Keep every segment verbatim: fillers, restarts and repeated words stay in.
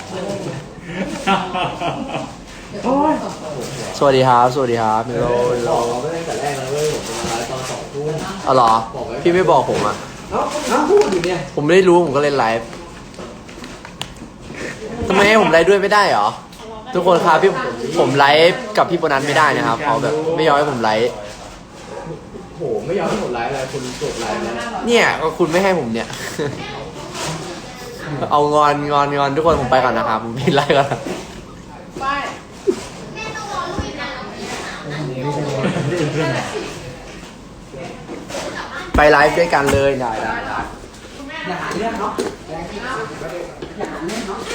สวัสดีครับสวัสดีครับมิโลมิโลบอกไม่ได้แต่แรกแล้วเว้ยผมจะมาไลฟ์ตอนสองทุ่มอ๋อเหรอพี่ไม่บอกผมอ่ะเอ้าเอ้าพูดอยู่เนี่ยผมไม่ได้รู้ผมก็เล่นไลฟ์ทำไมให้ผมไลฟ์ด้วยไม่ได้เหรอทุกคนครับพี่ผมไลฟ์กับพี่โบนัสไม่ได้นะครับเขาแบบไม่ยอมให้ผมไลฟ์โหไม่ยอมให้ผมไลฟ์อะไรคุณจบไลฟ์แล้วเนี่ยก็คุณไม่ให้ผมเนี่ย เอางอนงอนงอนทุกคนผมไปก่อนนะครับผมปิดไลฟ์ก่อนนะไปไลฟ์ด้วยกันเลยได้ได้ได้อย่าหาเรื่องเนาะอย่าหาเรื่องเนาะ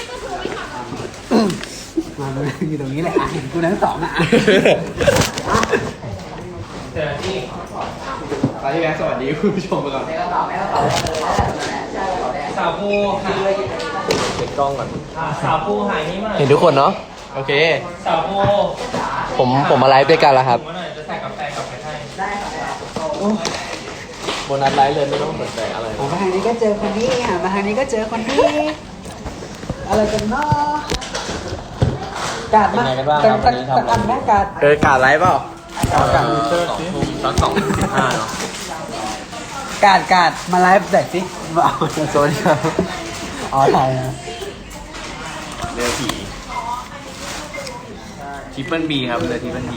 มาเลยอยู่ตรงนี้แหละอ่ะเห็นกูทั้งสองอ่ะเจอที่ไปที่แบงค์สวัสดีคุณผู้ชมไปก่อนสาวภูหายเช็คกล้องก่อนสาวภูหายนี่มาหน่อยเห็นทุกคนเนาะโอเคสาวภูผมผมมาไลฟ์ด้วยกันแล้วครับมาหน่อยจะใส่กาแฟกลับไปให้โบนัสไลฟ์เลยไม่ต้องสนใจอะไรหันมาทางนี้ก็เจอคนนี้หันมาทางนี้ก็เจอคนนี้อะไรกันเนาะกาดมาสักสักอันแม่กาดเออกาดไลฟ์เปล่ากาดสองทุ่มตอนสองทุ่มสิบห้าเนาะกาดกาดมาไลฟ์หน่อยสิมาเอาสวัสดีครับอ๋อถ่ายนะเรือผีทริปเปิลบีครับเรือทริปเปิลบี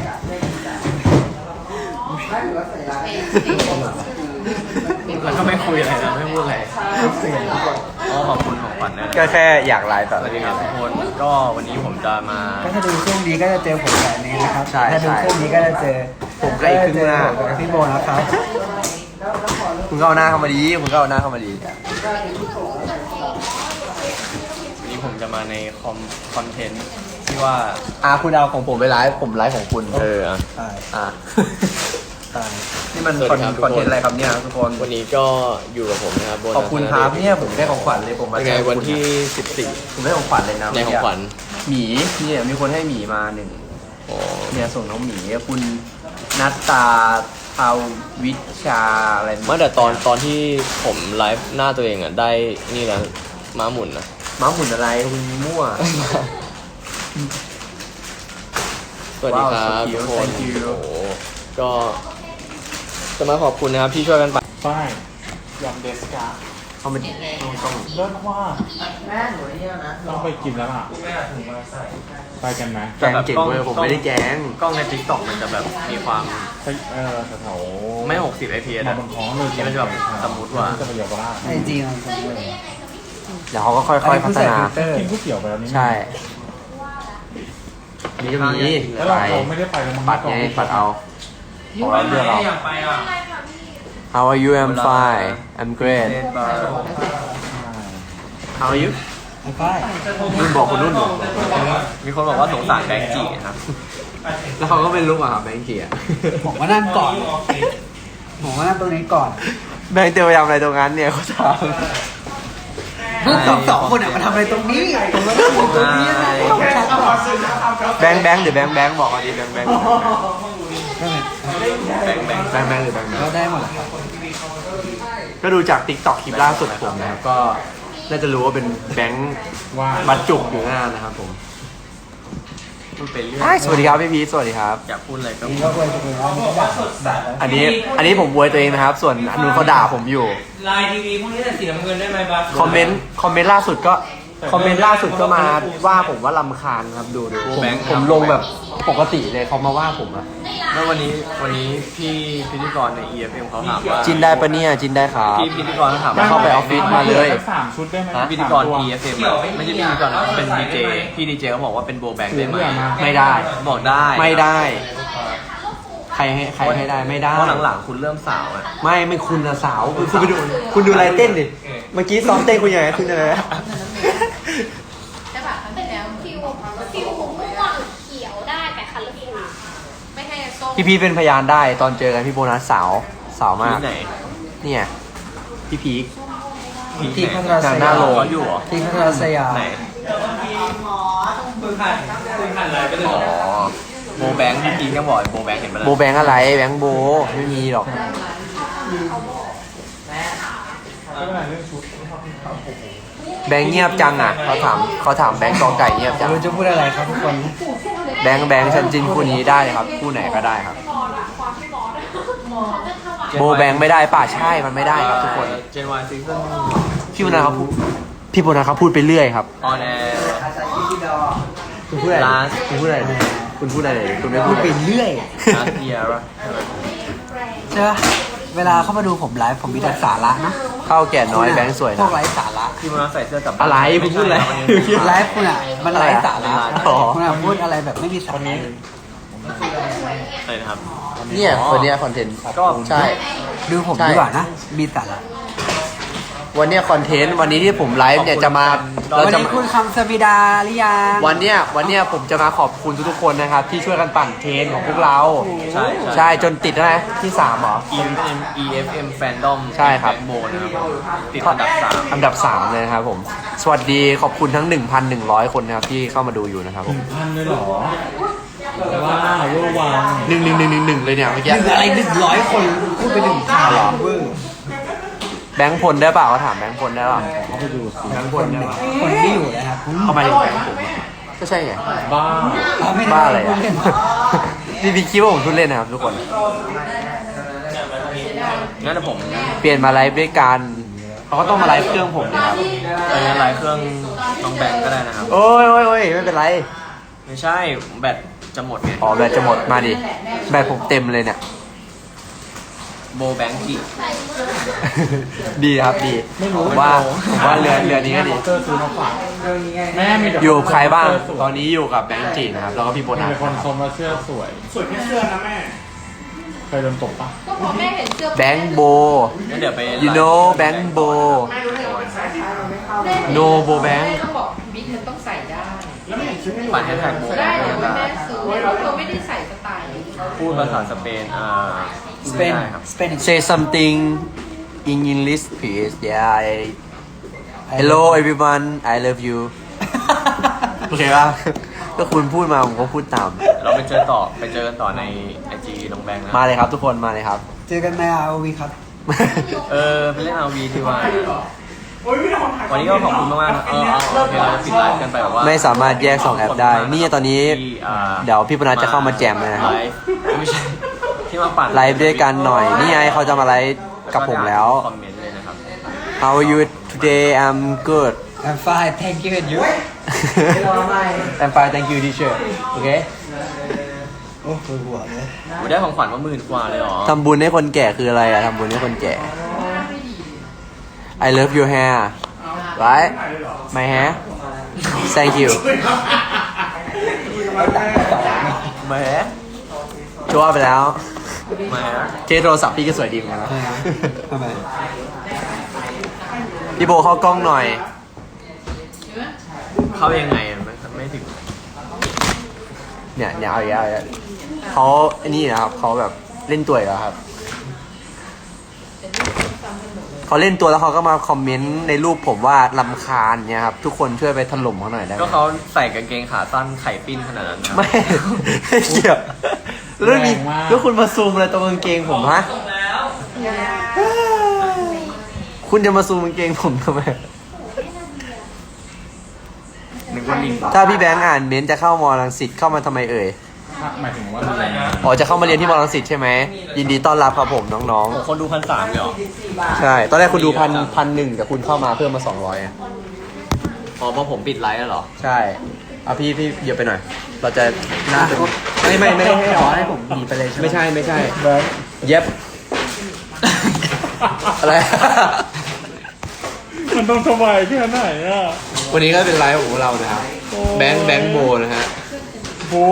แล้วก็ไม่คุยอะไรนะไม่พูดอะไรก็ขอบคุณของขวัญนะก็แค่อยากไลฟ์ต่อสวัสดีครับทุกคนก็วันนี้ผมจะมาก็ถ้าดูช่วงนี้ก็จะเจอผมแบบนี้นะครับใช่ถ้าดูใช่ช่วงนี้ก็จะเจอผมก็อีกครึ่งหน้าผมกับพี่โบนะครับคุณก็เอาหน้าเข้ามาดีคุณก็เอาหน้าเข้ามาดีวันนี้ผมจะมาในคอมคอนเทนต์ที่ว่าอ่าคุณเอาของผมไปไลฟ์ผมไลฟ์ของคุณเอออ่ะใช่อ่ะใช่นี่มันคอนคอนเทนต์อะไรครับเนี่ยทุกคนวันนี้ก็อยู่กับผมนะครับขอบคุณครับเนี่ยผมได้ของขวัญเลยผมมาในวันที่สิบสี่ผมได้ของขวัญเลยนะในของขวัญหมีเนี่ยมีคนให้หมีมาหนึ่งเนี่ยส่งน้องหมีคุณนัตตาภาวิชาอะไรเมื่อแต่ตอนตอนที่ผมไลฟ์หน้าตัวเองอ่ะได้นี่แล้วม้าหมุนนะม้าหมุนอะไรคุณมั่วสวัสดีครับทุกคนโอ้โหก็จะมาขอบคุณนะครับที่ช่วยกันไปป้ายยำเดสกาเข้ามาดิต้องต้องเลิศว่าแม่หนูเนี่ยนะต้องไปกินแล้วล่ะคุณแม่ถุงมาใส่ไปกันไหมแกงเก่งเลยผมไม่ได้แกงกล้องในทิกตอกมันจะแบบมีความไปเออแถวๆไม่หกสิบ ไอ พี เอสมาอะบนท้องเลยนี่มันจะแบบสมมุติว่าจะไปเยาวราชจริงๆมันเป็นเลยเดี๋ยวเขาก็ค่อยๆพัฒนากินก๋วยเตี๋ยวไปแล้วนี่ใช่นี่ก็มีแล้วเราเราไม่ได้ไปแล้วมั้งปัดไงปัดเอาของเราเลือกเอาอยากไปอ่ะ How are you I'm fine I'm great How are you ไอ้ป้ายนุ่นบอกคนนุ่นมีคนบอกว่าสงสารแบงค์จีครับแล้วเขาก็เป็นลูกอ่ะครับแบงค์จีอ่ะผมว่านั่งก่อนผมว่านั่งตรงนี้ก่อนแบงค์เตรียมไปทำอะไรตรงนั้นเนี่ยเขาถามพวกสองสองคนอ่ะมาทำอะไรตรงนี้ผมมานั่งอยู่ตรงนี้นะต้องชัดก่อนแบงค์แบงค์หรือแบงค์แบงค์บอกเอาดีแบงค์แบงค์แบงค์แบงค์แบงค์แบงค์หรือแบงค์แบงก็ค์ได้หมดแหละครับก็ดูจากติ๊กต็อกคลิปล่าสุดผมนะครับก็น่าจะรู้ว่าเป็นแบงค์ว่าบัตรจุกอยู่หน้านะครับผมพูดไปเรื่อยสวัสดีครับพี่พีทสวัสดีครับอยากพูดอะไรก็นี่ก็ควรจะเป็นว่านี่ก็ด่าด่าอันนี้อันนี้ผมบวยตัวเองนะครับ ส่วนอันนู้นเขาด่าผมอยู่ไลน์ทีวีพวกนี้แต่สีน้ำเงินได้ไหมบัสคอมเมนต์คอมเมนต์ล่าสุดก็คอมเมนต์ล่าสุดก็มาว่าผมว่าลำคาญครับดูดูผมผมลงแบบปกติเลยเขามาว่าผมอะแล้ววันนี้วันนี้พี่พิธีกรใน อี เอฟ เอ็ม เขาถามว่าจินได้ปะเนี่ยจินได้ครับพี่พิธีกรเขาถามว่าเข้าไปออฟฟิศมาเลยสามชุดได้ไหมพิธีกร อี เอฟ เอ็ม ไม่ใช่พิธีกรนะเป็นดีเจพี่ดีเจเขาบอกว่าเป็นโบแบงค์ได้ไหมไม่ได้บอกได้ไม่ได้ ใครให้ใครให้ได้ไม่ได้เพราะหลังๆคุณเริ่มสาวอะไม่ไม่คุณอะสาวคุณไปดูคุณดูอะไรเต้นดิเมื่อกี้ซ้อมเต้นคุณยังไงคุณยังไงแต่แบบมันเป็นแล้วฟิวฟิวม่วงเขียวได้แต่คันละฟิวไม่ให้ส้มพี่พีทเป็นพยานได้ตอนเจอกันพี่โบนัสสาวสาวมากเนี่ยพี่พีคที่พัทราสหน้ายามโรงอยู่เหรอที่พัทราสยามไหนคุณผ่านคุณผ่านไลน์ไปเลยอ๋อโบแบงค์พี่พีคก็บอกโบแบงค์เห็นไหมโบแบงค์อะไรแบงค์โบไม่มีหรอกไม่เป็นไรเรื่องชุดแบงค์เงียบจังอ่ะเขาถามเขาถามแบงค์กอไก่เงียบจังรู้จะพูดอะไรครับทุกคนแบงค์แบงค์ฉันจินคู่นี้ได้ครับคู่ไหนก็ได้ครับโบแบงค์ไม่ได้ป่ะใช่มันไม่ได้ครับทุกคนเจนวายซีซั่นพี่โบนัสเขาพูดพี่โบนัสเขาพูดไปเรื่อยครับออนแอร์คุณพูดอะไรคุณพูดอะไรคุณพูดอะไรคุณไม่พูพูดดไปเรื่อยลาสเยียร์ใช่ปะเวลาเข้ามาดูผมไลฟ์ผมมีแต่สาระนะเข้าแก่น้อยแบงค์สวยพวนะกไร้สาระที่มันใส่เสื้อกับอะไรคุณพูดอะไรไลฟ์คุณอ่ะมันไร้สาระอ๋อคุณอ่ะพูดอะไรแบบไม่มีสาระอะไรนะครับเนี่ยคนเนี้ยคอนเทนต์ก็ใช่ดูผมใช่ดีกว่านะมีสาระวันเนี้ยคอนเทนต์วันนี้ที่ผมไลฟ์เนี่ยจะมาเราวันจะนี้คุณคำสวิดาหรือยังวันเนี้ยวันเนี้ยผมจะมาขอบคุณทุกๆคนนะครับ ที่ช่วยกันปั่นเทรนของพวกเราใช่ใช่จนติดแล้วนะที่สามเหรอ E F M E F M Fandom ใช่ครับโบนะครับติดอันดับสามอันดับสามเลยนะครับผม สวัสดีขอบคุณทั้ง หนึ่งพันหนึ่งร้อย คนนะครับที่เข้ามาดูอยู่นะครับผมพันเลยเหรอว้าวเวอร์วังหนึ่งหนึ่งหนึ่งหนึ่งหนึ่งเลยเนี่ยเมื่อหกี้นึ่งอะไรหนึ่งร้อยคนพูดไปหนึ่งข่าวเวอร์แบงค์พลได้เปล่าเขาถามแบงค์พลได้เปล่าเขาไปดูสิแบงค์พลได้เปล่าคนที่อยู่นะครับเข้ามาถึงแบงค์ผมก็ใช่ไงบ้าไม่ด้บ้าอะไรพูอ่ะดเล่นพี่พี่คิดว่าผมพูดเล่นนะครับทุกคนงั้นเดี๋ยวผมเปลี่ยนมาไลฟ์ด้วยกันเขาก็ต้องมาไลฟ์เครื่องผมนะครับไปงั้นไลน์เครื่องน้องแบงก์ก็ได้นะครับโอ้ยโอ้ยโอ้ยไม่เป็นไรไม่ใช่แบตจะหมดไงอ๋อแบตจะหมดมาดิแบตผมเต็มเลยเนี่ยโบแบงกี้ดีครับดีผมว่าผมว่าเรือเรือนี้ก็ดีเตอร์ซื้อมาฝากแม่มีแต่อยู่กับใครบ้าง ตอนนี้อยู่กับแบงค์จีนะครับแล้วก็พี่โบมีนัสแต่คนชมว่าเสื้อสวย สวยแค่เสื้อนะแม่เคยโดนตบปะก็พอแม่เห็นเสื้อแบงค์โบงั้นเดี๋ยวไป you know แบงค์โบ no โบแบงค์ต้องบอกบิ๊กมันต้องใส่ได้ปั่นแฮชแท็กโบแบได้งก์เดี๋ยวได้แม่ซื้อเพราะเธอไม่ได้ใส่สไตล์นี้พูดภาษาสเปนอ่าสเปนไม่ได้ครับสเปน say something in English please yeah I hello everyone I love you โอเคป่ะก็คุณพูดมาผมก็พูดตามเราไปเจอต่อไปเจอกันต่อในไอจีน้องแบงค์นะมาเลยครับทุกคนมาเลยครับเจอกันในอาร์วีครับเออไปเล่นเอาวีที่ว่าวันนี้ก็ขอบคุณมากๆนะเออเอาโอเคเราปิดไลฟ์กันไปแบบว่าไม่สามารถแยกสองแอปได้นี่ตอนนี้ที่อ่าเดี๋ยวพี่ปนัสจะเข้ามาแจมนะครับไลฟ์ไม่ใช่ที่มาปั่นไลฟ์ด้วยกันหน่อยนี่ไงเขาจะมาไลฟ์กับผมแล้วคอมเมนต์เลยนะครับ How are you today I'm good I'm fine thank you and you I'm fine thank you teacher โอเคโอ้โหหัวเลยโอ้ได้ของขวัญมาหมื่นกว่าเลยเหรอทำบุญให้คนแก่คืออะไรอะทำบุญให้คนแก่ I love your hair right my hair thank you แหมชัวร์ไปแล้วแหมเคสโทรศัพท์พี่ก็สวยดีเหมือนกันนะทำไมพี่โบเข้ากล้องหน่อยเข้ายังไงอะไม่ไม่ถึงเนี่ยเนี่ยเอาอีกแล้วเอาอีกแล้วเขาไอ้นี่นะครับเขาแบบเล่นตัวอีกแล้วครับเขาเล่นตัวแล้วเขาก็มาคอมเมนต์ในรูปผมว่าลำคาญเนี่ยครับทุกคนช่วยไปถล่มเขาหน่อยได้ไหมก็เขาใส่กางเกงขาสั้นไข่ปิ้นขนาดนั้นนะไม่ไม่เกี่ยวแล้วมีแล้วคุณมาซูมอะไรตรงกางเกงผมฮะคุณจะมาซูมกางเกงผมทำไมนึกว่าลิงถ้าพี่แบงค์อ่านเม้นต์จะเข้ามอรังสิตเข้ามาทำไมเอ่ยหมายถึงว่าอะไรนะอ๋อจะเข้ามาเรียนที่มอรังสิตใช่ไหมยินดีต้อนรับครับผมน้องคนดูพันสามเลยเหรอๆใช่ตอนแรกคุณดูพันพันหนึ่งแต่คุณเข้ามาเพิ่มมาสองร้อยอ๋อเพราะผมปิดไลฟ์แล้วเหรอใช่เอาพี่พี่เดี๋ยวไปหน่อย เราจะน่าจะไม่ไม่ไม่ได้ให้ขหรออให้ผมหนีไปเลยใช่ไหมไม่ใช่ไม่ใช่เย็บอะไรมันต้องสบายแค่ไหนอ่ะวันนี้ก็เป็นไลฟ์ของเรานะครับแบงค์แบงค์โบนะฮะโบ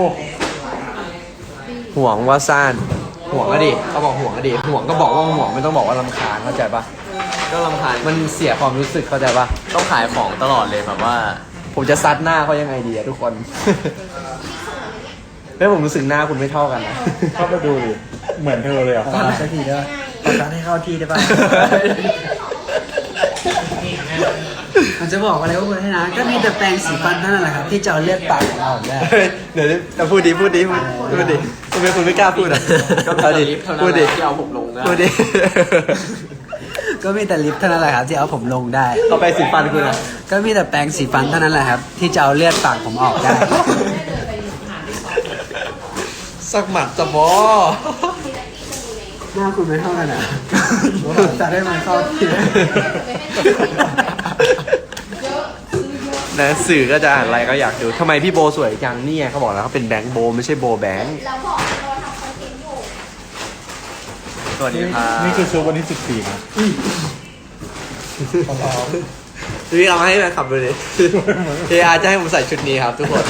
ห่วงว่าซ่านห่วงก็ดิเขาบอกห่วงก็ดิห่วงก็บอกว่าห่วงไม่ต้องบอกว่ารำคาญเข้าใจปะก็รำคาญมันเสียความรู้สึกเข้าใจปะต้องขายของตลอดเลยแบบว่าผมจะซัดหน้าเขายังไงดีอะทุกคน แล้วผมรู้สึกหน้าคุณไม่เท่ากันนะเข้าไปดูดิเหมือนเธอเลยอ่ะขอสักทีได้ป่ะขอสักให้เข้าที่ได้ป่ะ มันจะบอกอะไรพวกคุณให้นะ ก็มีแต่แปรงสีฟันเท่านั้นแหละครับ ที่จะเอาเลือดปากของเราออกได้เดี๋ยวจะพูดดีพูดดีพูดพูดดิทำไมคุณไม่กล้าพูดอ่ะก็เอามีดิลิฟต์เท่านั้นพูดแหดิละที่เอาผมลงได้พูดดิก็มีแต่ลิปเท่านั้นแหละครับที่เอาผมลงได้ก็ไปสีฟันคุณอะก็มีแต่แปรงสีฟันเท่านั้นแหละครับ ที่จะเอาเลือดปากผมออกได้สักหมัดจะบอหน้าคุณไม่เท่ากันอ่ะจะได้มันเข้าที่หนังสื่อก็จะอ่านอะไรก็อยากดูทำไมพี่โบสวยจังเนี่ยเขาบอกแล้วเขาเป็นแบงค์โบไม่ใช่โบแบงค์เราบอกเราทำคอนเทนต์อยู่สวัสดีครับนี่คือชุดวันที่สิบสี่นะพี่เอามาให้แฟนคลับดูดิเออาจะให้ผมใส่ชุดนี้ครับทุกคน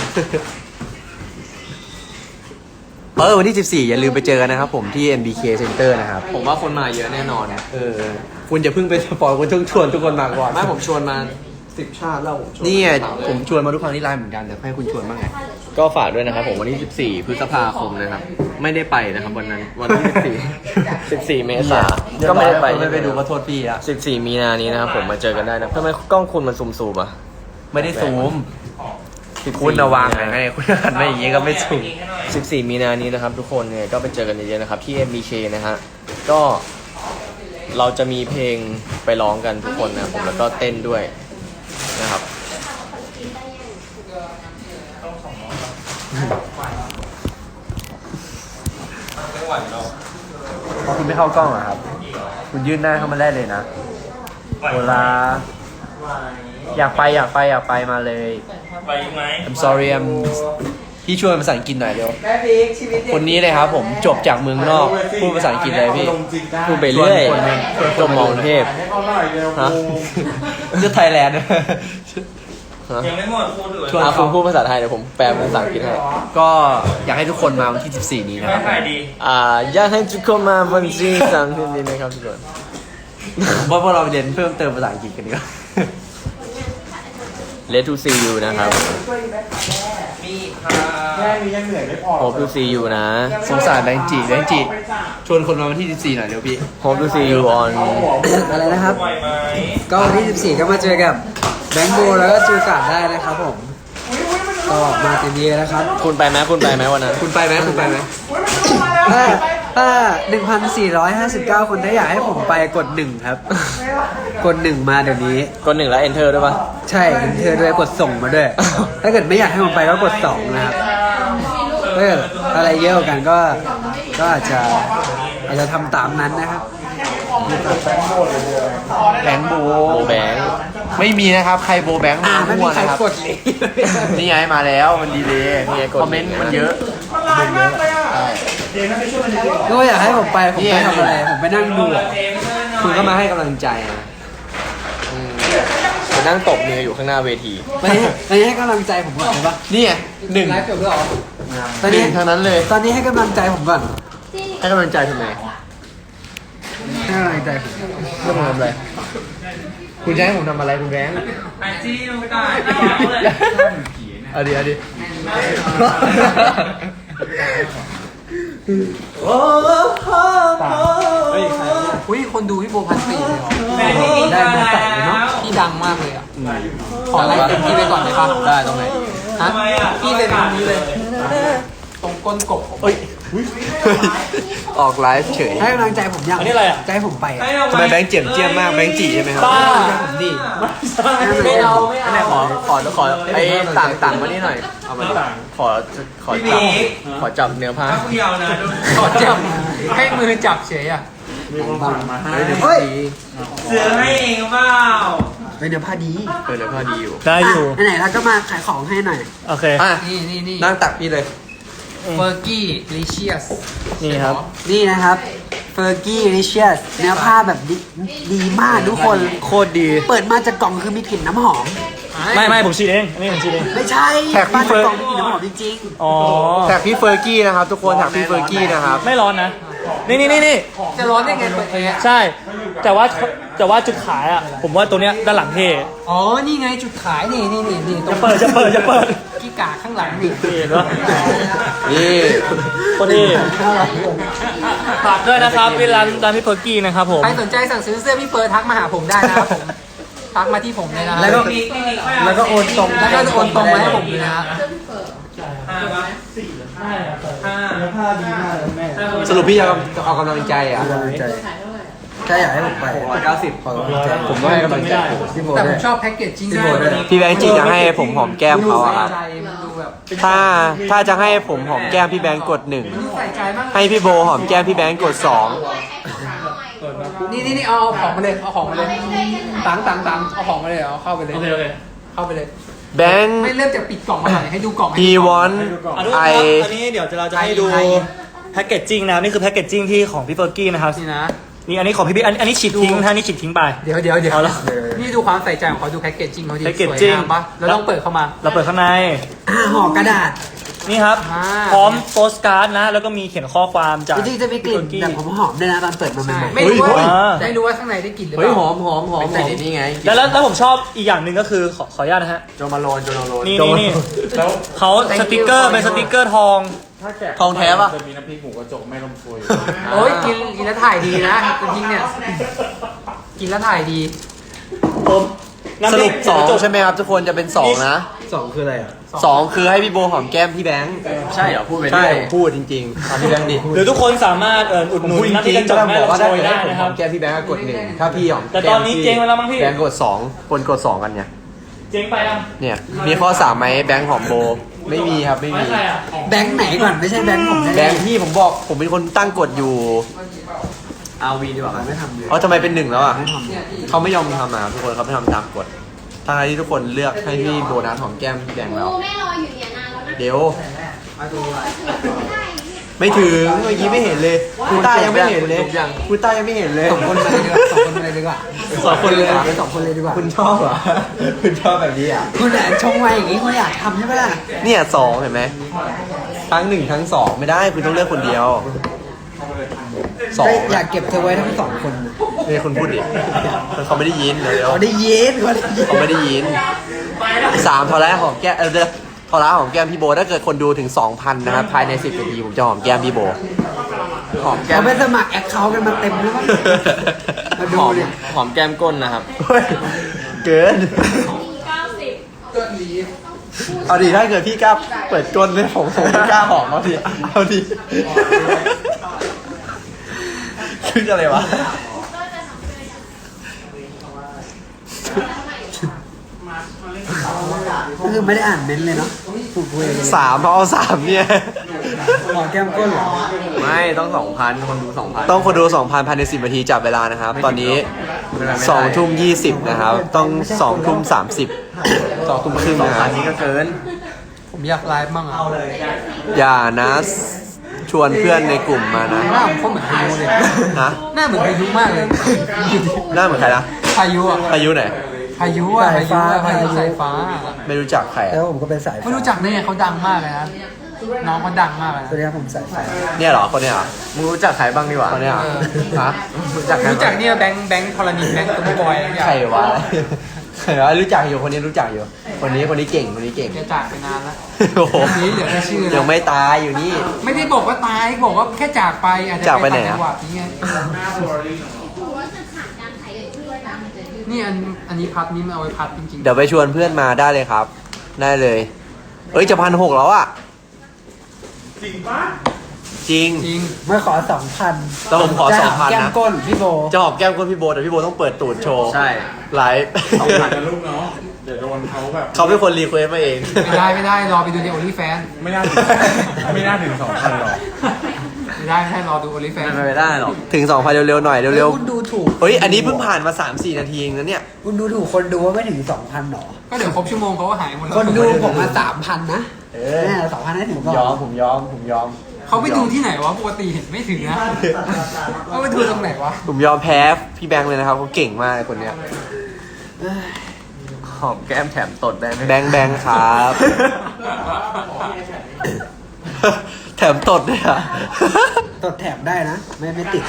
เออวันที่สิบสี่อย่าลืมไปเจอกันนะครับผมที่ เอ็ม บี เค Center นะครับผมว่าคนมาเยอะแน่นอนเออคุณอย่าเพิ่งไปสปอยคุณต้องชวนทุกคนมาก่อนไม่ผมชวนมาสิบชาติแล้วผมชวนนี่ไงผมชวนมาทุกครั้งที่ไลน์เหมือนกันแต่ให้คุณชวนบ้างไงก็ฝากด้วยนะครับผมวันที่สิบสี่พฤษภาคมนะครับไม่ได้ไปนะครับวันนั้นวันที่สิบสี่ สิบสี่เมษายนก็ไม่ได้ไปไม่ไปดูก็โทษพี่อะสิบสี่มีนานี้นะครับผมมาเจอกันได้นะทำไมกล้องคุณมันซูมซูมๆอ่ะไม่ได้ซูมคุณระวังไงคุณหันมาอย่างงี้ก็ไม่ซูมสิบสี่มีนานี้นะครับทุกคนเนี่ยก็ไปเจอกันเยอะๆนะครับที่ เอ็ม บี เค นะฮะก็เราจะมีเพลงไปร้องกันทุกคนนะผมแล้วก็เต้นด้วยนะครับพอคุณไม่เข้ากล้องอะครับ คุณยื่นหน้าเข้ามาได้เลยนะเวลาอยากไปอยากไปอยากไปมาเลยไปไหม I'm sorry I'm พี่ช่วยภาษาอังกฤษหน่อยเร็วแม่พีคชีวิตเด็กคนนี้เลยครับผมจบจากเมืองนอกพูดภาษาอังกฤษเลยพี่พูดไปเรื่อยชวนคนหนึ่งชวนคนจบมองเทพให้เขาหน่อยเร็วฮะเลือกไทยแลนด์ยังไม่หมดพูดเลยชวนอาเขาคุณพูดภาษาไทยเดี๋ยวผมแปลเป็นภาษาอังกฤษให้ก็อยากให้ทุกคนมาวันที่สิบสี่นี้นะคไม่รับขายดีอ่าอยากให้ทุกคนมาวันที่สามที่นี้นะครับทุกคนว่าพวกเราไปเรียนเพิ่มเติมภาษาอังกฤษกันดีกว่า Let to see you นะครับแค่นี้ยังเหนื่อยไม่พอ Hope to see you นะสงสารแบงค์จีแบงค์จีชวนคนมาวันที่สิบสี่หน่อยเร็วพี่ Hope to see you on อะไรนะครับไหวไหมก็วันที่สิบสี่ก็มาเจอกับแบงค์โบแล้วก็จูการ์ดได้นะครับผม ก็มาเต็มที่แล้วครับคุณไปไหมคุณไปไหมวันนั้นคุณไปไหมคุณไปไหมถ้าถ้า หนึ่งพันสี่ร้อยห้าสิบเก้า คนถ้าอยากให้ผมไปกดหนึ่งครับ กดหนึ่งมาเดี๋ยวนี้กดหนึ่งแล้ว enter ด้วยปะใช่เห็นเธอด้วยกดส่งมาด้วย ถ้าเกิดไม่อยากให้ผมไปก็กดสองนะครับถ้าเกิดอะไรเยอะกว่ากันก็ก็อาจจะอาจจะทำตามนั้นนะครับแบงค์โบโบแบงค์ไม่มีนะครับ ใครโบแบงค์อ่ามาไม่มั่มีวใครนะครับกดเลยนี่ไงมาแล้วมันดีเลยนี่ไงกดคอมเมนต์มันเยอะมันร้ายมากเลยอ่ะเดี๋ยวนะไปช่วยมันเยอะก็อยากให้ผมไปผมไปทำอะไรผมไปนั่งดูอะคุณก็มาให้กำลังใจนะอืมไปนั่งตบมืออยู่ข้างหน้าเวทีไปให้ไปให้กำลังใจผมก่อนได้ปะนี่ไงหนึ่งไลฟ์จบแล้วเหรอตอนหนี้นึ่งเท่านั้นเลยตอนนี้ให้กำลังใจผมก่อนให้กำลังใจทำไมให้กำลังใจผมเรื่องผมทำอะไรคุณจะให้ผมทำอะไรคุณแบงค์ไอจีลงตายเอาเลยเอาดิเอาดิเฮ้ยใครอุ้ยคนดูพี่โบพันสี่เลยเหรอแม่ที่กินได้ได้เบอร์แล้ใส่เลยเนาะวพี่ดังมากเลยอ่ะขอไลฟ์เต็มที่ไปก่อนได้ปะได้ตรงไหนฮะทำไมอ่ะพี่เลยตรงนี้เลย ตรงก้นกบเอ้ยออกไลฟ์เฉยให้กำลังใจผมยังอันนี้อะไรอ่ะจะให้ผมไปให้อะเราทำไมแบงค์เจียมเจียมมากแบงค์จีใช่ไหมครับบ้าผมดิไม่เอาไม่อันไหนเอาขอขอขอไอ้ต่างต่างมานี่หน่อย เอามาดิขอขอจับขอจับเนื้อผ้าถ้าคุณยาวนะดูขอจับให้มือจับเฉยอ่ะมีคนฝากมาให้เฮ้ยเสือให้เองเปล่าเป็นเนื้อผ้าดีเออเนื้อผ้าดีอยู่ได้อยู่ะไหนๆเราก็มาขายของให้หน่อยโอเคอ่ะนี่นี่นี่นั่งตักพี่เลยเฟอร์กี้ลิเชียสนี่ครับนี่นะครับเฟอร์กี้ลิเชียสเนื้อผ้าแบบดีดีมากทุกคนโคตรดีเปิดมาจากกล่องคือมีกลิ่นน้ำหอมไม่ไม่ผมฉีดเอง อันนี้ผมฉีดเองไม่ใช่แท็กพี่มาเฟิจากร์นกล่องมีกลิ่นน้ำหอมจริงอ๋อแท็กพี่เฟอร์กี้นะครับ ทุกคนแท็กพี่เฟอร์กี้นะครับไม่ร้อนนะ นี่นี่นี่นี่ๆ จะร้อนได้ไงเปิดแอร์ใช่ แต่ว่าแต่ว่าจุดขายอ่ะ ผมว่าตัวเนี้ยด้านหลังเท่อ๋อ นี่ไงจุดขายนี่นี่นี่นี่ตรจะงเปิดจะเปิดจะเปิดกี้กาข้างหลังนี่นี่เห็นปะนี่คนนี้ฝากด้วยนะครับที่ร้านร้านพี่เพิร์กกี้นะครับผมใครสนใจสั่งซื้อเสื้อพี่เปิดทักมาหาผมได้นะครับผม ทักมาที่ผมเลยนะแล้วก็แล้วก็โอนตรงแล้วก็โอนตรงมาให้ผมเลยนะห้าปะสี่ห้าห้าดีมากเลยแม่สรุปพี่จะเอากำลังใจอ่ะแค่อยากให้ผมไปหกร้อยเก้าสิบขอกำลังใจผมก็ให้กำลังใจพี่โบแต่ผด้วยมชอบแพ็กเกจจิ้งพี่โบด้วยพี่แบงค์จริงจะให้ผมหอมแก้มเขาอะครับใจมันดูแบบถ้าถ้าจะให้ผมหอมแก้มพี่แบงค์กดหนึ่งดูใส่ใจมากให้พี่โบหอมแก้มพี่แบงค์กดสองนี่นี่นี่เอาเอาของมาเลยเอาของมาเลยตังตังตังเอาของมาเลยเอาเข้าไปเลยโอเคโอเคเข้าไปเลยแบงค์ไม่เริ่มจากปิดกล่องมาหน่อยให้ดูกล่องให้ he ดูกล่อง want อ่ะทุกคน I ครับอันนี้เดี๋ยวเราจะให้ดูไทยแพ็กเกจจิ้งนะครับนี่คือแพ็กเกจจิ้งที่ของพี่เฟิร์กี้นะครับนี่นะนี่อันนี้ของพี่บิ๊กอันอันนี้ฉีดทิ้งนะฮะนี่ฉีดทิ้งไปเดี๋ยวเดี๋ยวเดี๋ยวเอาละนี่ดูความใส่ใจของเขาดูแพ็กเกจจิ้งเขาดีสวย packaging งามปะแล้วต้องเปิดเข้ามาเราเปิดข้างในอ่าห่อกระดาษนี่ครับอ่าพร้อมโปสการ์ดนะ แล้วก็มีเขียนข้อความจากจริงๆจะมีกลิ่นพี่แบบเฟิร์หอมๆด้วยนะตอนเปิดมาใหใช่ม่ไม่รู้ว่าเฮ้ยไม่รู้ว่าข้างในได้กลิ่นหรือเปเฮ้ยล่าหอมหอมหอมหอมนี่ไงแล้วแล้วแล้วผมชอบอีกอย่างหนึ่งก็คือขอขออนุญาตนะฮะโจมาโลนโจมาโลนนี่นี่นี่เขาสติกเกอร์เป็นสติกเกอร์ทองทองแท้ปะจะมีน้ำพริกหมูกระจกแม่ลมฟุยโอ้ยกินกินแล้วถ่ายดีนะจริงๆเนี่ยกินแล้วถ่ายดีผมน้ำสพรุริปกสองกระจกใช่ไหมครับทุกคนจะเป็นสองนะๆสองคืออะไรอ่ะสองคือให้พี่โบหอมแก้มพี่แบงค์ใช่เหรอพูดไปใช่ผมพูดจริงๆทำพี่แบงค์ดิหรือทุกคนสามารถเอ่ออุดหนุนน้ำพริกกระจกแม่ลมโชยได้นะครับแก้มพี่แบงค์ก็กดหนึ่งถ้าพี่หอมแต่ตอนนี้เจ๊งไปแล้วมั้งพี่แบงค์กดสองคนกดสองกันเนี่ยเจ๊งไปยังเนี่ยมีข้อสามไหมแบงค์หอมโบไม่มีครับไม่ไม่มีใช่อ่ะแบงค์ไหนก่อนไม่ใช่แบงค์ผมแน่ๆแบงค์พี่ผมบอกผมเป็นคนตั้งกฎอยู่เอาวีดีกว่าไม่ทำเลยอ๋อทำไมเป็นหนึ่งแล้วอ่ะเขาไม่ยอมทำอ่ะทุกคนเขาไม่ทำตามกฎทั้งที่ทุกคนเลือกให้พี่โบนัสหอมแก้มพี่แบงค์แล้วกูไม่รออยู่เนี่ยนานแล้วนะเดี๋ยวไม่ถึงเมื่อกี้ไม่เห็นเลยคุณต้ายังไม่เห็นเลยคุณต้ายังไม่เห็นเลยสองคนเลยดีกว่าสองคนเลยดีกว่าสองคนเลยเหรอสองคนเลยดีกว่าคุณชอบเหรอคุณชอบแบบนี้อ่ะคุณอ่ะชงมาอย่างนี้คุณอยากทำใช่ไหมล่ะเนี่ยสองเห็นไหมทั้งหนึ่งทั้งสองไม่ได้คุณต้องเลือกคนเดียวสองก็อยากเก็บเธอไว้ทั้งสองคนนะนี่คุณพูดดิเขาไม่ได้ยินเดี๋ยวเขาได้ยินเขาได้ยินเขาไม่ได้ยินสามทอแรกหอมแก้มเออเดี๋ยวทอแรกหอมแก้มพี่โบถ้าเกิดคนดูถึง สองพัน นะครับภายในสิบนาทีผมจะหอมแก้มพี่โบหอมแก้มเขาไปสมัครแอคเคาท์กันมาเต็มแล้วมั้งมาดูเนี่ยหอมแก้มก้นนะครับเฮ้ยเกินเก้าสิบเอาดิถ้าเกิดพี่กล้าเปิดก้นเลยผมผมไม่กล้าหอมเอาดิเอาดิคืออะไรวะก็คือไม่ได้อ่านเม้นต์เลยเนาะถูกคุยเลยสามเอาสามเนี่ยหอแก้มก้นเหรอไม่ต้องสองพันคนดูสองพันต้องคนดูสองพันภายในสิบนาทีจับเวลานะครับ ตอนนี้สองทุ่มยี่สิบนะครับ ต้องสองทุ่มสามสิบสองทุ่มครึ่งนะครับนี่ก็เกินผมอยากไลฟ์มั่งอ่ะอย่านะชวนเพื่อนในกลุ่มมานะหน้าผมก็เหมือนพายุเลยนะหน้าเหมือนพายุมากเลยหน้าเหมือนใครนะพายุอ่ะอายุไหนพายุอ่ะพายุอ่ะพายุสายฟ้าไม่รู้จักใครแล้อะวผมก็เป็นสายฟ้าไม่รู้จักได้ไงเขาดังมากเลยนะน้องเขาดังมากเลยสวัสดีครับผมสายฟ้าเนี่ยเหรอคนเนี้ยเหรอมึงรู้จักใครบ้างดีกว่าคนเนี้ยเหรอฮะรู้จักใครรู้จักเนี่ยแบงค์แบงค์ธรณีแบงค์ตุ้มบอยอะไรอย่างเงี้ยใครวะใครวะรู้จักอยู่คนนี้รู้จักอยู่ คนนี้คนนี้เก่งคนนี้เก่งแกจากไปนานแล้วโอ้โหคนนี้เหลือแค่ชื่อนะยังไม่ตายอยู่นี่ไม่ได้บอกว่าตายบอกว่าแค่จากไปอาจจะจากไปไหนอะต่างจังหวัดนี่ไงนี่อันอันนี้พัดนี่มันเอาไว้พัดจริงๆเดี๋ยวไปชวนเพื่อนมาได้เลยครับ ได้เลย เอ้ยจะพันหกแล้วอ่ะ จริงปะจริงจริงเมื่อขอสองพันแต่ผมขอสองพันแก้มนะก้นพี่โบจะหอมแก้มก้นพี่โบแต่พี่โบต้องเปิดตูดโชว์ใช่ไลฟ์สองพันนะลูกเนาะ เดี๋ยวโดนเขาแบบเขาเป็นคนรีเควสมาเองไม่ได้ไม่ได้รอไปดูในโอลิแฟนไม่น่าถึง ไม่น่าถึงสองพันหรอกไม่ได้ไม่ได้รอดูโอลิแฟนไม่ไปได้หรอกถึงสองพันเร็วๆหน่อยเร็วคุณดูถูกๆเฮ้ยอันนี้เพิ่งผ่านมา สามสี่ นาทีเองนะเนี่ยคุณดูถูกคนดูว่าไม่ถึงสองพันหรอก็เดี๋ยวครบชั่วโมงเขาก็หายหมดแล้วคนดูผมมาสามพันนะเอแน่สองพันให้ถึงก่อนยอมผมยอมผมยอมเขาไปดูที่ไหนวะปกติเห็นไม่ถึงนะเขาไปดูตรงไหนวะผมยอมแพ้พี่แบงค์เลยนะครับเขาเก่งมากคนเนี้ยหอมแก้มแถมตดได้ไหมแบงค์แบงค์ครับ แถมตดด้วยอ่ะตดแถมได้นะ ไม่ไม่ติด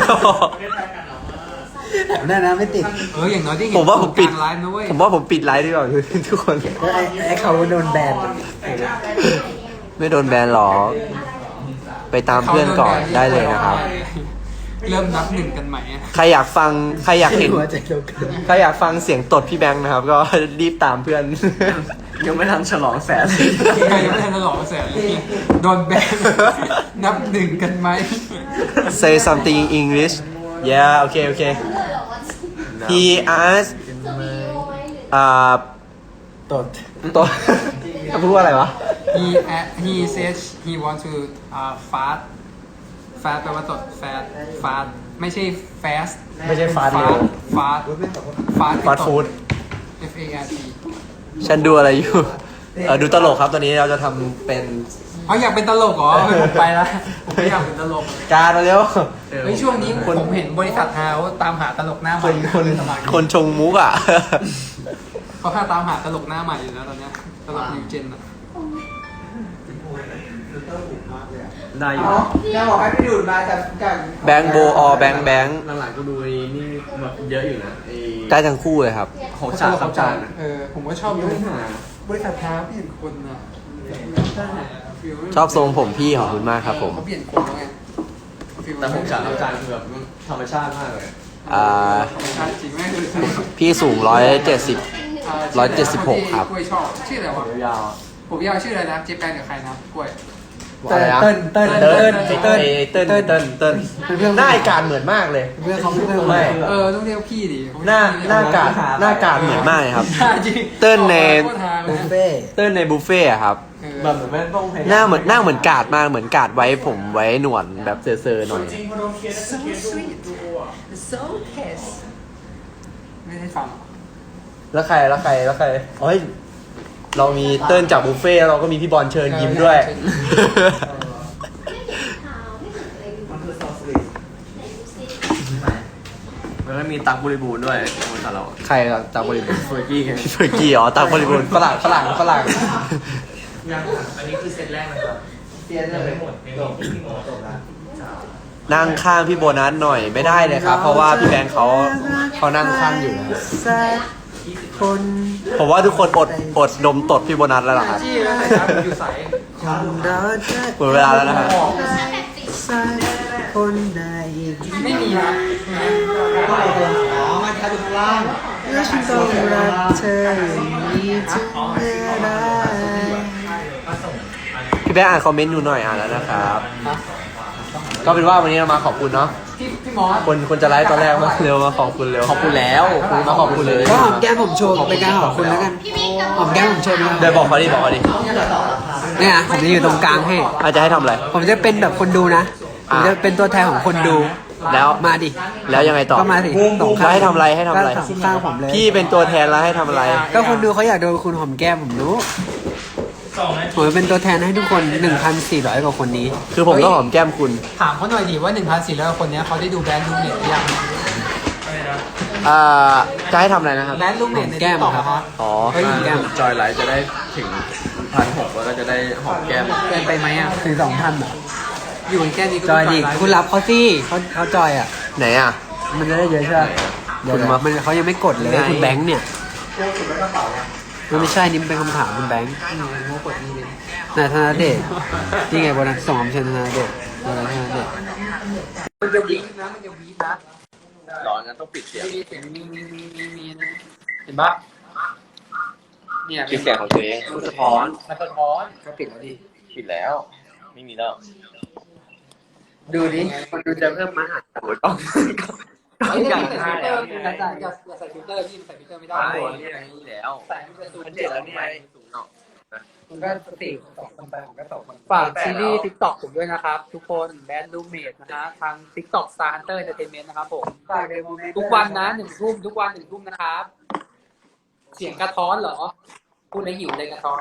แถมได้นะไม่ติดเอออย่างน้อยได้เห็นผมว่าผมปิดกลางไลฟ์นะเว้ยผมว่าผมปิดไลฟ์ดีกว่า ทุกคนก็ไอ้ไอ้เขาโดนแบนไม่โดนแบนหรอก ไปตามเพื่อนก่อนได้เลยนะครับเริ่มนับหนึ่งกันใหม่อะใครอยากฟังใครอยากเห็นหัวใจเดียวกันใครอยากฟังเสียงตดพี่แบงค์นะครับ ก็รีบตามเพื่อนยังไม่ทันฉลองแสนเลยใครยังไม่ทันจะหลอกแสนเลยเนี่ยโดนแบนนับหนึ่งกันไหม Say something in English yeah โอเคโอเค he asked อ่าตดตดเขาพูดว่าอะไรวะ he he says he want to uh fast fast แปลว่าตด fast fast ไม่ใช่ fast ไม่ใช่ fast fast fast fast fast food F A R T ฉันดูอะไรอยู่เออดูตลกครับตอนนี้เราจะทำเป็นเอาอยากเป็นตลกเหรอผมไปแล้วผมไม่อยากเป็นตลกการมาเร็วเฮ้ยช่วงนี้ผมเห็นบริษัทฮาวตามหาตลกหน้าใหคม่นคนสมัครคนชงมุกอ่ะเขาค่าตามหาตลกหน้าใหม่อยู่แล้วตอนเนี้ยตลกนิวเจนอะได้อยู่จะบอกให้พี่ดูดมาจากจากแบงค์โบออแบงค์แบงค์หลังๆกูดูไอ้นี่แบบเยอะอยู่นะไอ้ได้ทั้งคู่เลยครับของฉากของฉากนะเออผมก็ชอบดูบริษัทฮาวเปลี่ยนคนอะชอบทรงผมพี่ของคุณมากครับผมเขาเปลี่ยนคนแล้วไงแต่ของฉากของฉากคือแบบธรรมชาติมากเลยอ่าชาติจริงไหมคือพี่สูงร้อยเจ็ดสิบ ร้อยเจ็ดสิบหกครับกล้วยชอบชื่ออะไรวะยาวผมยาวชื่ออะไรนะเจแปนกับใครนะกล้วยเติ้ลเติ้ลเติ้ลเติ้ลเติ้ลเติ้ลเติ้ลเติ้ลเติ้ลเติ้ลหน้าไอการเหมือนมากเลยเพื่อนเขาเพื่อนไม่เออต้องเรียกพี่ดิหน้าหน้าการหน้าการเหมือนมากเลยครับจริงเติ้ลในโคตรฮาเลบุยฟเฟ่เติ้ลในบุฟเฟ่ต์อะครับเออแบบเหมือนแม่ต้องพยายามหน้าเหมือนหน้าเหมือนกาดมากเหมือนกาดไว้ผมไว้หนวดแบบเซอร์ๆหน่อยไม่ได้ฟังแล้วใครแล้วใครแล้วใครเฮ้ยเรามีเติ้ลจากบุฟเฟ่ต์แล้วเราก็มีพี่บอลเชิญยิ้มด้วยแล้วก็มีตักบริบูรณ์ด้วยบริษัทเราใครอะจากบริบูรณ์เฟอร์กี้ไงพี่เฟอร์กี้อ๋อตามบริบูรณ์ฝรั่งฝรั่งฝรั่งอันนี้คือเซตแรกนะครับเปลี่ยนเลยหมดไม่มีพี่หมอจบแล้วนั่งข้างพี่โบนัสหน่อยไม่ได้เลยครับ เพราะว่าพี่แบงค์เขาเขานั่งข้างอยู่นะสักคนผมว่าทุกคนอดอดดมตดพี่โบนัสแล้วล่ะครับที่นะครับอยู่ใสคนเราจะหมดเวลาแล้วนะครับสักคนใดไม่มีนะอ๋อมาแค่ดูข้างล่างและฉันต้องรักเธออย่างนี้ถึงเมื่อไรพี่แบงค์อ่านคอมเมนต์อยู่หน่อยอ่านแล้วนะครับ ก็เป็นว่าวันนี้เรามาขอบคุณเนาะพี่พี่มอสคนคนจะไลฟ์ตอนแรกมาเร็วมาขอบคุณเร็วขอบคุณแล้วคุณมาขอบคุณเลยก็หอมแก้มผมโชว์เป็นการขอบคุณแล้วกันหอมแก้มผมโชว์เป็นการเดี๋ยวบอกเขาดิบอกเขาดิเนี่ยผมจะอยู่ตรงกลางให้อาจจะให้ทำอะไรผมจะเป็นแบบคนดูนะ ผมจะเป็นตัวแทนของคนดูแล้วมาดิแล้วยังไงต่อก็มาสิตรงแล้วให้ทำอะไรให้ทำอะไรก็สงข้างผมเลยพี่เป็นตัวแทนแล้วให้ทำอะไรก็คนดูเขาอยากโดนคุณหอมแก้มผมรู้สองนาทีผมจะเป็นตัวแทนให้ทุกคน หนึ่งพันสี่ร้อย กว่าคนนี้คือผมต้องหอมแก้มคุณถามเขาหน่อยดิว่าหนึ่งพันสี่ร้อยคนเนี้ยเขาได้ดูแบรนด์ลูกเน็ตหรือยังอะไรนะอ่าจะให้ทำอะไรนะครับแบรนด์ลูกเน็ตในแก้ม TikTok ครับอะอ๋อเฮ้ยหอมแก้มจอยไลท์จะได้ถึงพันหกแล้วก็จะได้หอมแก้มเกินไปไหมอ่ะถึงสองพันอ่ะอยู่กันแค่นี้ก็จอยดิไลฟ์คุณรับเขาสิเขาเขาจอยอ่ะไหนอ่ะมันจะได้เยอะใช่ไหมเดี๋ยวคุณมามันเขายังไม่กดเลยคุณแบงค์เนี่ยมันไม่ใช่นี่มันเป็นคำถามคุณแบงค์อืมโมกดนี่เลยนายธนาเดชนี่ไงบนนั้นส่งคำเชิญธนาเดชบนนั้นธนาเดชมันจะวีดนะมันจะวีดนะร้อนงั้นต้องปิดเสียงมีเสียงมีมีมีมีมีนะเห็นปะเนี่ยปิดเสียงของตัวเองมันสะท้อนมันสะท้อนก็ปิดแล้วดิปิดแล้ว ไม่มีแล้วดูดิคนดูจะเพิ่มมาหาโอ้ยต้องไอ้เนี่ยใส่ฟิลเตอร์อย่าใส่อย่าใส่ฟิลเตอร์พี่ใส่ฟิลเตอร์ไม่ได้ใช่นี่แล้วใส่มันจะสูงมันเจ็ดแล้วนี่ไงสูงเนาะมันก็สี่สองคนไปผมก็สองคนฝากซีรีส์ TikTok ผมด้วยนะครับ ทุกคนแบนด์ลูเมดนะฮะทาง TikTok Star Hunter Entertainment นะครับผมทุกวันนะหนึ่งทุ่มทุกวันหนึ่งทุ่มนะครับ เสียงกระท้อนเหรอ พูดแล้วหิวเลยกระท้อน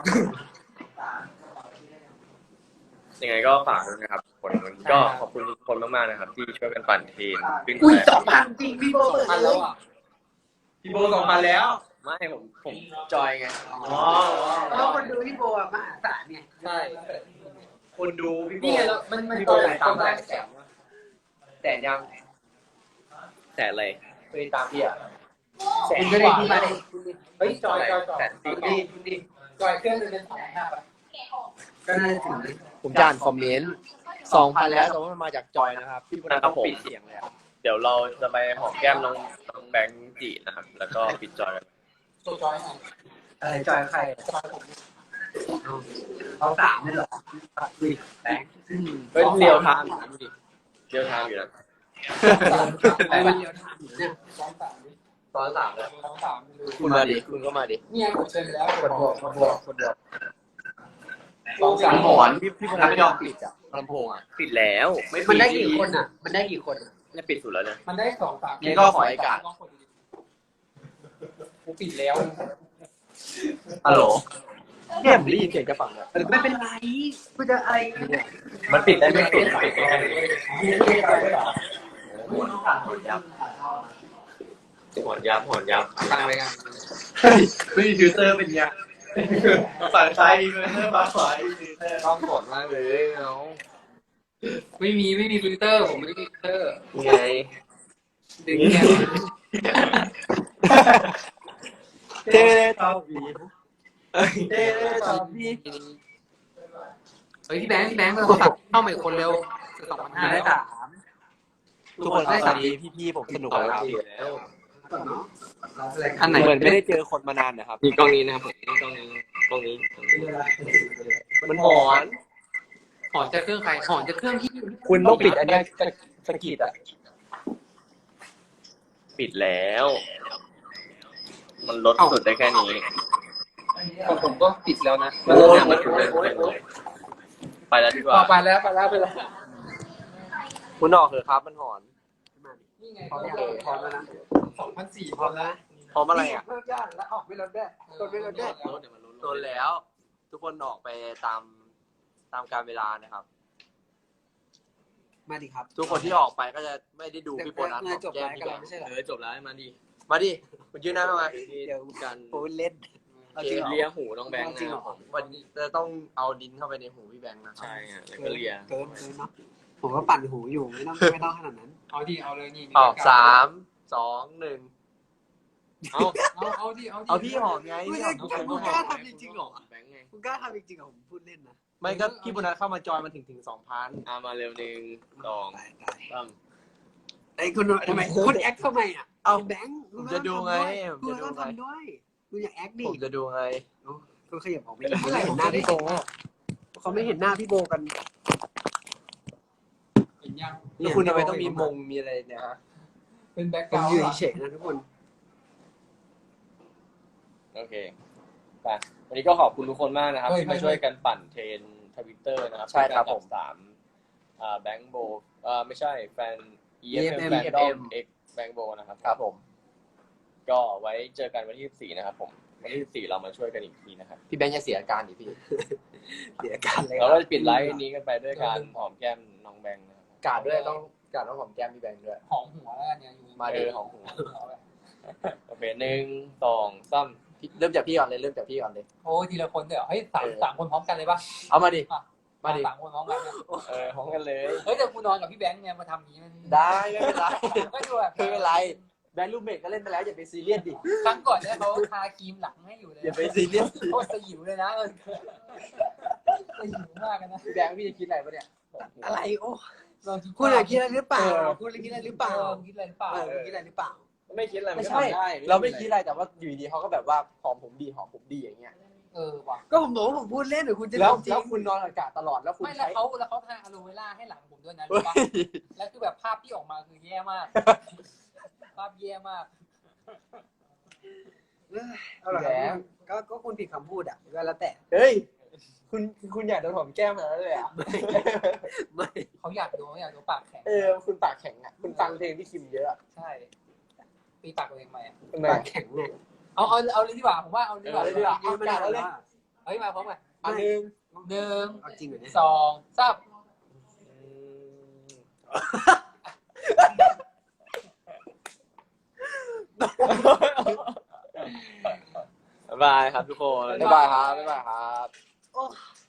ยังไงก็ฝากด้วยนะครับคนก็ขอบคุณทุกคนมากๆนะครับ ที่ช่วยกันปั่นเทรนขึ้นอุ้ยแต่สองพันจริงพี่โบสองพันแล้วอ่ะพี่โบสองพันแล้ว ไม่ผมผมจอยไงอ๋อแล้วคนดูพี่โบอ่ะมหาศาลเนี่ยใช่คนดูพี่โบนี่ไงแล้วมันมันพี่ตโบอนไหนตาตอมนไหนแสนแสนยังแสนอะไรเคยตามพี่อ่ะแสนก็ได้ที่มาเฮ้ยจอยจอยจอยแสนสี่นี่นี่จอยเครื่องนึงเป็นสองพันห้าป่ะก็น่าจะถึงผมจะอ่านคอมเมนต์สองพันแล้วแต่ว่ามันมาจากจอยนะครับพี่โบนัสต้องปิดเสียงเลยอะเดี๋ยวเราจะไปหอมแก้มน้องน้องแบงค์จีนะครับ แล้วก็ปิดจอยกันตัวจอยหน่อยอะไรจอยใครจอยผมเขาสามเลยเหรอคุยแบงค์เฮ้ยเรียวไทม์อยู่นะดูดิเรียวไทม์อยู่นะแต่วันเดียวเนี่ยสองสามตอนสามแล้วสองสามคุณมาดิคุณก็มาดิเนี่ยผมเชิญแล้วคนบอกคนบอกคนบอกสองสามหอนพี่พี่พนักไม่ยอมปิดอ่ะลำโพงอ่ะปิดแล้วไม่ปิมันได้กี่คนอ่ะ มันได้กี่คนไม่ปิดสุดแล้วเนี่ยมันได้สองสามนี่ก็ขอไอ้กาดกูปิดแล้วฮัลโหลเนี่ยผมได้ยินเสียงจะฝั่งแล้วไม่เป็นไรกูจะอะไรมันปิดได้ไม่ปิดปิดหอนยับหอนยับตั้งไว้กันไม่มีฟิลเตอร์เป็นยังฝั่งซ้ายมีฟิลเตอร์ฝั่งขวามีฟิลเตอร์ต้องกดมากเลยเนาะไม่มีไม่มีฟิลเตอร์ผมไม่มีฟิลเตอร์ไงดึงเนี่ยเต้ตอบีเต้ตอบีเฮ้ยพี่แบงค์พี่แบงค์โทรศัพท์เข้ามาอีกคนเร็วสองพันห้าได้สามทุกคนครับตอนนี้พี่ๆผมสนุกแล้วครับอันไหนเหมือนไม่ได้เจอคนมานานนะครับนี่กล้องนี้นะครับผมนี่กล้องนี้กล้องนี้มันหอนหอนจะเครื่องใครหอนจะเครื่องที่คุณต้องปิดอันนี้สกิดอ่ะปิดแล้ว มันลดสุดได้แค่นี้ของผมก็ปิดแล้วนะโอ้ยไปแล้วดีกว่าไปแล้วไปแล้วไปแล้วคุณออกเถอะครับมันหอนนี่ไงพร้อมยังพร้อมแล้วนะสองพันสี่พร้อมแล้วพร้อมอะไรอ่ะเพิ่มยากแล้วออกไม่ลดด้วยลดไม่ลดด้วยโดนแล้ว ทุกคนออกไปตามตามการเวลานะครับมาดิครับทุกคนที่ออกไปก็จะไม่ได้ดูพี่โบนัสเดี๋ยวจบไลฟ์กันแล้วไม่ใช่เหรอเออจบแล้วมาดิมาดิคุณยืนหน้าเข้ามาเดี๋ยวกันผมเล่นเกเลียหูน้องแบงค์นะครับผมวันนี้จะต้องเอาดินเข้าไปในหูพี่แบงค์นะครับใช่แล้วก็เลียเกินเกินเนาะผมก็ปั่นหูอยู่ไม่ต้องไม่ต้องขนาดนั้นเอาดิเอาเลยนี่ออกสามสองหนึ่งเอาเอาเอาดิเอาดิเอาพี่หอมไงไม่ได้คุณกล้าทำจริงๆหรอแบงค์ไงคุณกล้าทำจริงๆเหรอผมพูดเล่นนะไม่ก็พี่โบนัสเข้ามาจอยมันถึงถึงสองพันอ่ามาเร็วหนึ่งสองตายตายสามไอ้คุณทำไมคุณแอคทำไมอ่ะเอาแบงค์ผมจะดูไงคุณผมจะดูต้องไงทำด้วยคุณอย่าแอคดิผมจะดูไงคุณขยับออกไปอีกไม่เห็นหน้าพี่โบเขาไม่เห็นหน้าพี่โบกันเห็นยังแล้วคุณทำไมต้องมีมงมีอะไรเนี่ยฮะเป็นแบ็คกผมราวด์อยู่เฉยๆนะทุกคนโอเคไปวันนี้ก็ขอบคุณทุกคนมากนะครับที่มาช่วยกันปั่นเทรนทวิตเตอร์นะครับใช่ครับผมสามอ่าแบงค์โบอ่าไม่ใช่แฟน อี เอฟ เอ็ม แฟนดอม X แบงค์โบนะครับครับผมก็ไว้เจอกันวันที่สิบสี่นะครับผมวันที่สิบสี่เรามาช่วยกันอีกทีนะครับพี่แบงค์จะเสียอาการดิพี่เสียการเลยเราก็จะปิดไลฟ์นี้กันไปด้วยการหอมแก้มน้องแบงค์นะครับกาดด้วยต้องกาดต้องหอมแก้มพี่แบงค์ด้วยหอมหัวแล้วกันเนี่ยอยู่มาเลยหอมหัวโอเคหนึ่งสองสามเริ่มจากพี่ก่อนเลยเริ่มจากพี่ก่อนเลยโอ้ยทีละคนเดี๋ยวเฮ้ยสามสามคนพร้อมกันเลยปะเอามาดิ มาดิสามคนพร้อมกันเนี่ยเออพร้อมกันเลยเฮ้ยแต่กูนอนกับพี่แบงค์เนี่ยมาทำอย่างนี้มันได้ไม่เป็นไรก็ดูแบบไม่เป็นไรแบงค์ลูกเมดก็เล่นไปแล้วอย่าไปซีเรียสดิครั้งก่อนเนี่ยเขาทาครีมหลังให้อยู่เลยอย่าไปซีเรียสโคตรสยิวเลยนะเออสยิวมากกันนะพี่แบงค์พี่จะคิดอะไรปะเนี่ยอะไรโอ้ลองคิดคุณอยากคิดอะไรหรือเปล่าคุณอยากคิดอะไรหรือเปล่าคิดอะไรหรือเปล่าเออคิดอะไรหรือเปล่าไม่คิดอะไรไม่นก็ใช่ทำด้เราไม่คิดอะไรแต่ว่าอยู่ดีเขาก็แบบว่าหอมผมดีหอมผมดีอย่างเงี้ยเออว่ะก็ผมบอกว่าผมพูดเล่นหรือคุณจะแล้วจริงแล้วคุณนอนอากาศตลอดแล้วคุณไม่แล้ใช้วเขาแล้วเขาทาอะโลเวล่าให้หลังผมด้วยนะเฮ้รู้ปะยแล้วคือแบบภาพที่ออกมาคือแย่มาก ภาพแย่มากเอาล่ะครับก็ก็คุณผิดคำพูดอ่ะก็แล้วแต่เฮ้ยคุณคุณอยากโดนหอมแก้มขนาดนั้นเลยอ่ะไม่เขาอยากดูเขาอยากดูปากแข็งเออคุณปากแข็งอ่ะคุณฟังเพลงพี่คิมเยอะอะใช่ตีปากตัวเองไหมอะทำไมปากแข็งเนี่ยเอาเอาเอาเลยดีกว่าผมว่าเอาเลยดีกว่าเอาเลยดีกว่าเอาไม่ได้แล้วเฮ้ยมาพร้อมกันอันหนึ่งหนึ่งเอาจริงเหรอเนี่ยสองสามบ๊ายบายครับทุกคนบ๊ายบายครับบ๊ายบายครับ